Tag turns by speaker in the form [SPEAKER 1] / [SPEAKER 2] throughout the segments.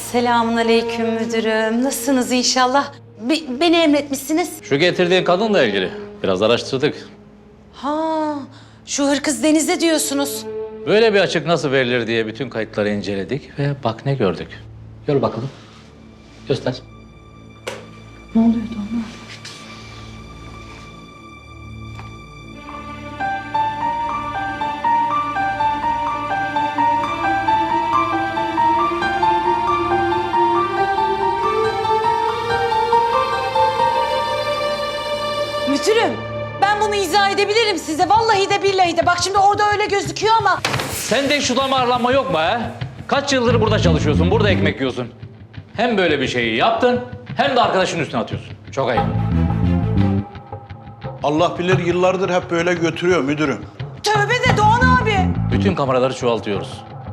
[SPEAKER 1] Selamünaleyküm müdürüm. Nasılsınız inşallah? Beni emretmişsiniz.
[SPEAKER 2] Şu getirdiğin kadınla ilgili biraz araştırdık.
[SPEAKER 1] Ha, şu hırkız Deniz'e diyorsunuz.
[SPEAKER 2] Böyle bir açık nasıl verilir diye bütün kayıtları inceledik ve bak ne gördük. Gör bakalım. Göster.
[SPEAKER 1] Ne oluyordu ona? Müdürüm, ben bunu izah edebilirim size. Vallahi de billahi de. Bak şimdi orada öyle gözüküyor ama...
[SPEAKER 2] Sende şu damarlanma yok mu ha? Kaç yıldır burada çalışıyorsun, burada ekmek yiyorsun. Hem böyle bir şeyi yaptın, hem de arkadaşın üstüne atıyorsun. Çok ayıp.
[SPEAKER 3] Allah bilir yıllardır hep böyle götürüyor müdürüm.
[SPEAKER 1] Tövbe de Doğan abi.
[SPEAKER 2] Bütün kameraları çoğaltıyoruz.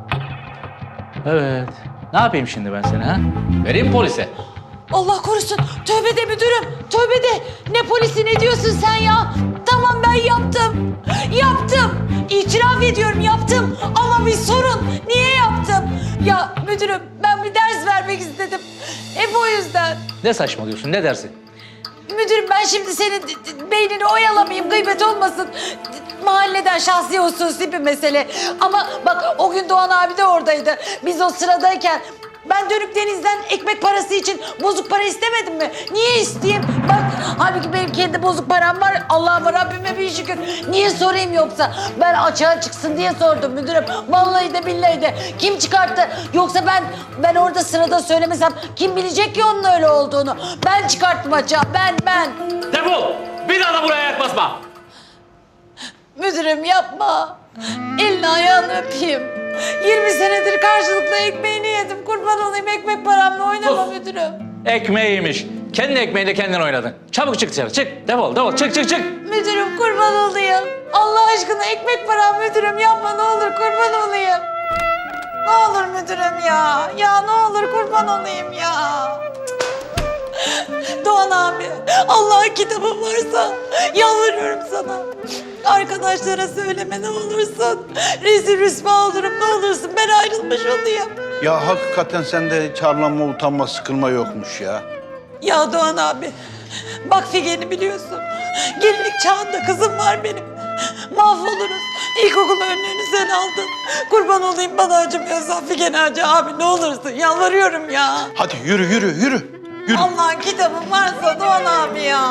[SPEAKER 2] Evet. Ne yapayım şimdi ben seni ha? Vereyim polise.
[SPEAKER 1] Allah korusun. Tövbe de müdürüm. Tövbe de. Ne polisi ne diyorsun sen ya? Tamam ben yaptım. Yaptım. İtiraf ediyorum yaptım. Ama bir sorun. Niye yaptım? Ya müdürüm ben bir ders vermek istedim. Hep o yüzden.
[SPEAKER 2] Ne saçmalıyorsun, ne dersin?
[SPEAKER 1] Müdürüm ben şimdi senin beynini oyalamayayım, gıybet olmasın. Mahalleden şahsi hususi bir mesele. Ama bak o gün Doğan abi de oradaydı. Biz o sıradayken ben dönüp Deniz'den ekmek parası için bozuk para istemedim mi? Niye isteyeyim? Bak halbuki benim kendi bozuk param var. Allah'ıma Rabbime bir şükür. Niye sorayım yoksa? Ben açığa çıksın diye sordum müdürüm. Vallahi de billahi de. Kim çıkarttı? Yoksa ben orada sırada söylemesem kim bilecek ki onun öyle olduğunu? Ben çıkarttım açığa. Ben.
[SPEAKER 2] Defol! Bir daha da buraya ayak basma!
[SPEAKER 1] Müdürüm yapma. Elini ayağını öpeyim. 20 senedir karşılıklı ekmeğini yedim. Kurban olayım ekmek paramla oynama
[SPEAKER 2] Sus.
[SPEAKER 1] müdürüm.
[SPEAKER 2] Ekmeğiymiş. Kendi ekmeğiyle kendin oynadın. Çabuk çık dışarı, çık. Defol, çık.
[SPEAKER 1] Müdürüm kurban olayım. Allah aşkına ekmek param müdürüm yapma ne olur kurban olayım. Ne olur müdürüm ya. Ya ne olur kurban olayım ya. Doğan abi Allah'ın kitabı varsa yalvarıyorum sana. Arkadaşlara söyleme ne olursun. Rezil rüsva olurum ne olursun ben ayrılmış olayım.
[SPEAKER 3] Ya hakikaten sende hiç arlanma, utanma, sıkılma yokmuş ya.
[SPEAKER 1] Ya Doğan abi bak Figen'i biliyorsun. Gelinlik çağında kızım var benim. Mahvoluruz. İlkokul önlüğünü sen aldın. Kurban olayım bana acımıyorsan Figen acı abi ne olursun yalvarıyorum ya.
[SPEAKER 3] Hadi yürü.
[SPEAKER 1] Allah'ın kitabı varsa Doğan abi ya.